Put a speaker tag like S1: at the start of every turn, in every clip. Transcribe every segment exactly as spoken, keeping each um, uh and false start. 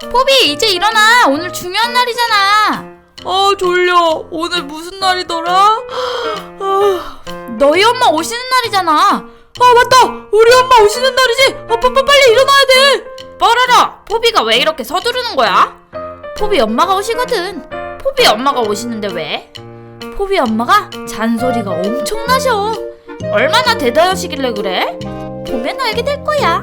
S1: 포비 이제 일어나. 오늘 중요한 날이잖아.
S2: 아 졸려. 오늘 무슨 날이더라? 아...
S1: 너희 엄마 오시는 날이잖아.
S2: 아 맞다. 우리 엄마 오시는 날이지. 아 빠빠 빨리 일어나야 돼.
S1: 뻐라라. 포비가 왜 이렇게 서두르는 거야? 포비 엄마가 오시거든. 포비 엄마가 오시는데 왜? 포비 엄마가 잔소리가 엄청나셔. 얼마나 대단하시길래 그래? 보면 알게 될 거야.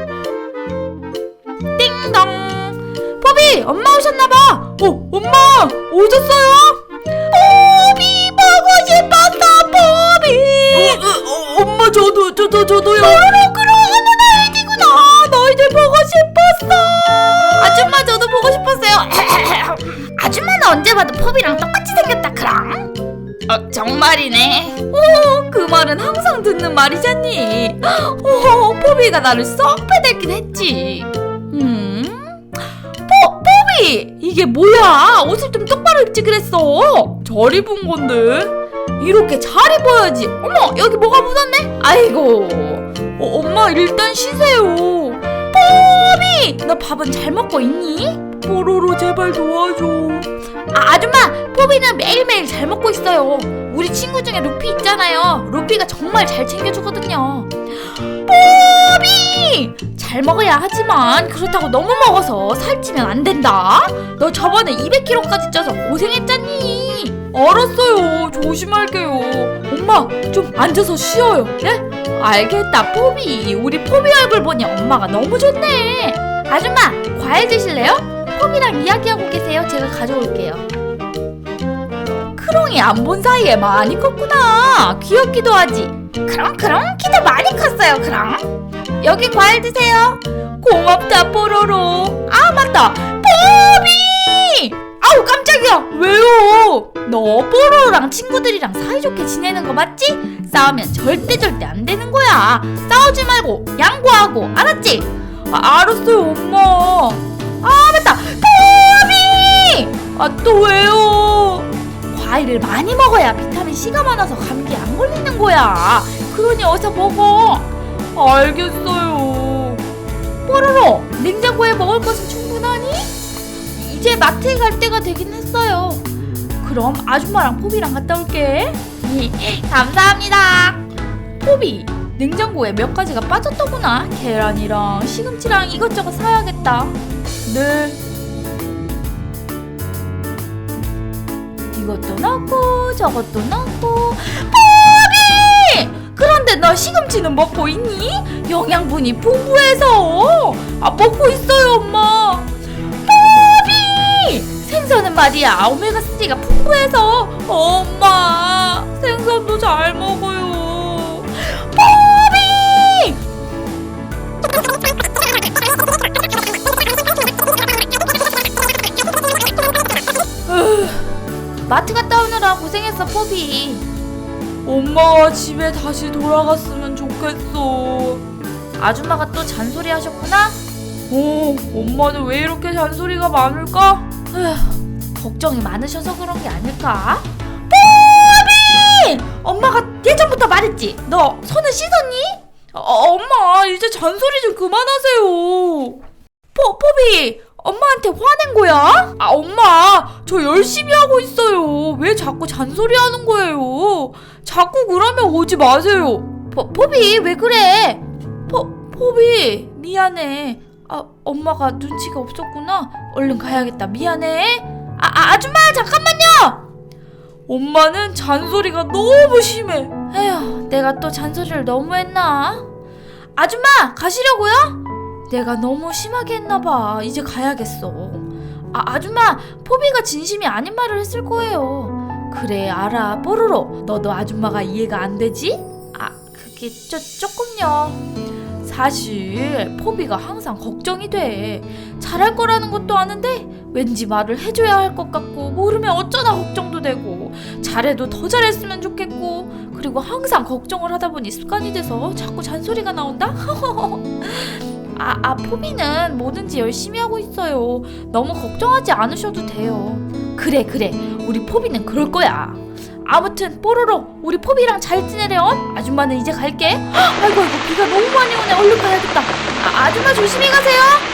S1: 띵동. 포비 엄마 오셨나봐.
S2: 어 엄마 오셨어요?
S1: 포비 보고 싶었어. 포비.
S2: 어, 어, 어, 엄마 저도 저도 저도요.
S1: 바로 그런 날이구나. 너희들 보고 싶었어. 아줌마 저도 보고 싶었어요. 아줌마는 언제 봐도 포비랑 똑같이 생겼다 크랑. 어 정말이네. 오, 그 말은 항상 듣는 말이잖니. 오, 포비가 나를 썩 패댔긴 했지. 음, 포 포비 이게 뭐야? 옷을 좀 똑바로 입지 그랬어.
S2: 잘 입은 건데.
S1: 이렇게 잘 입어야지. 어머 여기 뭐가 묻었네. 아이고.
S2: 어, 엄마 일단 쉬세요.
S1: 포비 너 밥은 잘 먹고 있니?
S2: 뽀로로 제발 도와줘.
S1: 아, 아줌마 포비는 매일매일 잘 먹고 있어요. 우리 친구 중에 루피 있잖아요. 루피가 정말 잘 챙겨주거든요. 포비 잘 먹어야 하지만 그렇다고 너무 먹어서 살찌면 안 된다. 너 저번에 이백 킬로그램까지 쪄서 고생했잖니.
S2: 알았어요. 조심할게요. 엄마 좀 앉아서 쉬어요.
S1: 네? 알겠다 포비. 우리 포비 얼굴 보니 엄마가 너무 좋네. 아줌마 과일 드실래요? 포비랑 이야기하고 계세요. 제가 가져올게요. 크롱이 안 본 사이에 많이 컸구나. 귀엽기도 하지. 크롱 크롱 키도 많이 컸어요. 크롱 여기 과일 드세요. 고맙다 뽀로로. 아 맞다 포비. 아우 깜짝이야.
S2: 왜요?
S1: 너 뽀로로랑 친구들이랑 사이좋게 지내는 거 맞지? 싸우면 절대 절대 안 되는 거야. 싸우지 말고 양보하고 알았지?
S2: 아, 알았어요 엄마.
S1: 아 맞다 포비.
S2: 아 또 왜요?
S1: 과일을 많이 먹어야 비타민C가 많아서 감기 안 걸리는 거야. 그러니 어서 먹어.
S2: 알겠어요.
S1: 뽀로로 냉장고에 먹을 것은 충분하니? 이제 마트에 갈 때가 되긴 했어요. 그럼 아줌마랑 포비랑 갔다 올게. 감사합니다. 포비 냉장고에 몇 가지가 빠졌더구나. 계란이랑 시금치랑 이것저것 사야겠다.
S2: 네.
S1: 이것도 넣고 저것도 넣고. 포비! 그런데 너 시금치는 먹고 있니? 영양분이 풍부해서.
S2: 아 먹고 있어요 엄마.
S1: 포비! 생선은 말이야 오메가삼가 풍부해서.
S2: 엄마 생선도 잘 먹어요.
S1: 포비! 마트 갔다 오느라 고생했어 포비.
S2: 엄마가 집에 다시 돌아갔으면 좋겠어.
S1: 아줌마가 또 잔소리 하셨구나?
S2: 어, 엄마는 왜 이렇게 잔소리가 많을까?
S1: 에휴, 걱정이 많으셔서 그런 게 아닐까? 포비! 엄마가 예전부터 말했지. 너 손을 씻었니?
S2: 아, 엄마 이제 잔소리 좀 그만하세요.
S1: 포, 포비! 엄마한테 화낸 거야?
S2: 아 엄마 저 열심히 하고 있어요. 왜 자꾸 잔소리 하는 거예요? 자꾸 그러면 오지 마세요.
S1: 포, 포비 왜 그래? 포, 포비 미안해. 아 엄마가 눈치가 없었구나. 얼른 가야겠다. 미안해. 아, 아 아줌마 잠깐만요.
S2: 엄마는 잔소리가 너무 심해.
S1: 에휴 내가 또 잔소리를 너무 했나? 아줌마 가시려고요? 내가 너무 심하게 했나봐. 이제 가야겠어. 아, 아줌마 포비가 진심이 아닌 말을 했을 거예요. 그래 알아 뽀로로. 너도 아줌마가 이해가 안 되지? 아 그게 저, 조금요. 사실 포비가 항상 걱정이 돼. 잘할 거라는 것도 아는데 왠지 말을 해줘야 할 것 같고 모르면 어쩌나 걱정도 되고 잘해도 더 잘했으면 좋겠고 그리고 항상 걱정을 하다 보니 습관이 돼서 자꾸 잔소리가 나온다? 아, 아 포비는 뭐든지 열심히 하고 있어요. 너무 걱정하지 않으셔도 돼요. 그래 그래 우리 포비는 그럴 거야. 아무튼 뽀로로 우리 포비랑 잘 지내렴. 아줌마는 이제 갈게. 아이고 아이고 비가 너무 많이 오네. 얼른 가야겠다. 아, 아줌마 조심히 가세요.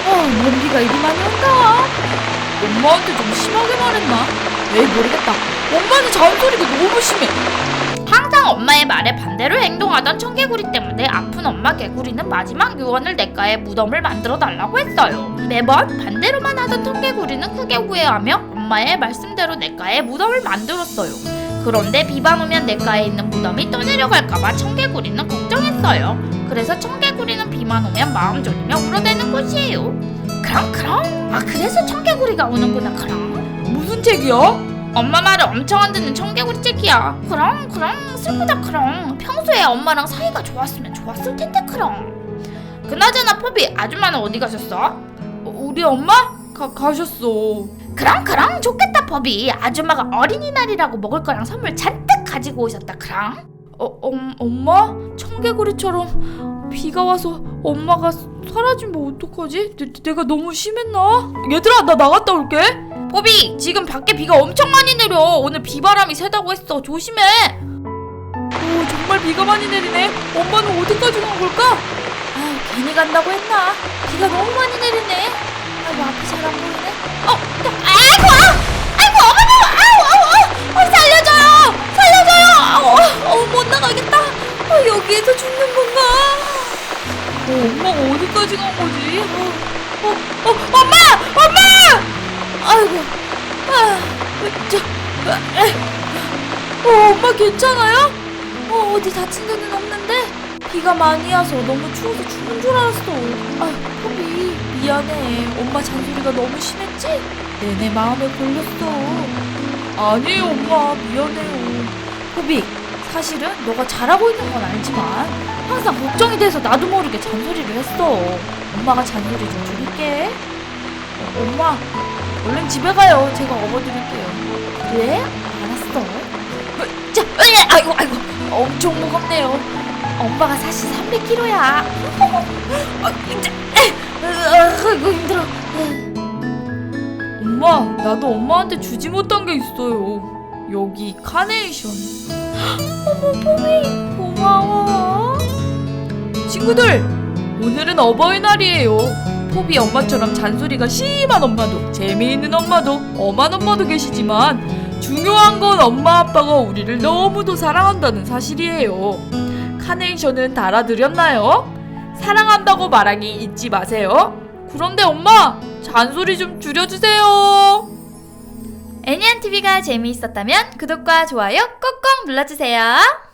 S1: 뭔 비가 이리 많이 온다.
S2: 엄마한테 좀 심하게 말했나? 에이 모르겠다. 엄마는 잔소리가 너무 심해.
S1: 항상 엄마의 말에 반대로 행동하던 청개구리 때문에 아픈 엄마 개구리는 마지막 유언을 냇가에 무덤을 만들어 달라고 했어요. 매번 반대로만 하던 청개구리는 크게 후회하며 엄마의 말씀대로 냇가에 무덤을 만들었어요. 그런데 비만 오면 냇가에 있는 무덤이 떠내려갈까봐 청개구리는 걱정했어요. 그래서 청개구리는 비만 오면 마음 졸이며 울어대는 곳이에요. 그럼 그럼 아 그래서 청개구리가 우는구나. 그럼
S2: 무슨 책이야?
S1: 엄마 말을 엄청 안 듣는 청개구리 책이야. 그럼 그럼 슬프다. 그럼 평소에 엄마랑 사이가 좋았으면 좋았을 텐데. 그럼 그나저나 포비 아줌마는 어디 가셨어?
S2: 우리 엄마? 가, 가셨어.
S1: 그럼 그럼 좋겠다. 포비 아줌마가 어린이날이라고 먹을 거랑 선물 잔뜩 가지고 오셨다. 그럼
S2: 어, 엄, 엄마? 청개구리처럼 비가 와서 엄마가 사라지면 어떡하지? 내, 내가 너무 심했나? 얘들아 나 나갔다 올게.
S1: 포비 지금 밖에 비가 엄청 많이 내려. 오늘 비바람이 세다고 했어. 조심해.
S2: 오 정말 비가 많이 내리네. 엄마는 어디까지 간 걸까?
S1: 아유 괜히 간다고 했나. 비가 너무 많이 내리네. 아이고 앞이 잘 안 보이네. 어, 아이고 아이고 어머머 아우 아우 아우 살려줘요 살려줘요. 아우 어, 못 나가겠다. 어, 여기에서 죽는 건가.
S2: 어, 엄마가 어디까지 간 거지? 어, 어, 어 엄마! 엄마!
S1: 아이고 아,
S2: 저, 에, 어, 엄마 괜찮아요?
S1: 어, 어디 다친 데는 없는데.
S2: 비가 많이 와서 너무 추워서 죽는 줄 알았어. 아, 포비 미안해. 엄마 잔소리가 너무 심했지? 내내 마음에 걸렸어. 아니에요 엄마 미안해요.
S1: 포비 사실은 너가 잘하고 있는 건 알지만 항상 걱정이 돼서 나도 모르게 잔소리를 했어. 엄마가 잔소리 좀 줄일게.
S2: 어, 엄마 얼른 집에 가요. 제가 업어드릴게요.
S1: 그래? 알았어. 어, 자, 으이, 아이고 아이고 엄청 무겁네요. 엄마가 사실 삼백 킬로그램야. 아, 이제, 아이고 힘들어.
S2: 엄마 나도 엄마한테 주지 못한 게 있어요. 여기 카네이션.
S1: 어머 포비 고마워.
S2: 친구들 오늘은 어버이날이에요. 포비 엄마처럼 잔소리가 심한 엄마도 재미있는 엄마도 엄한 엄마도 계시지만 중요한 건 엄마 아빠가 우리를 너무도 사랑한다는 사실이에요. 카네이션은 달아드렸나요? 사랑한다고 말하기 잊지 마세요. 그런데 엄마 잔소리 좀 줄여주세요.
S1: 애니안티비가 재미있었다면 구독과 좋아요 꾹꾹 눌러주세요.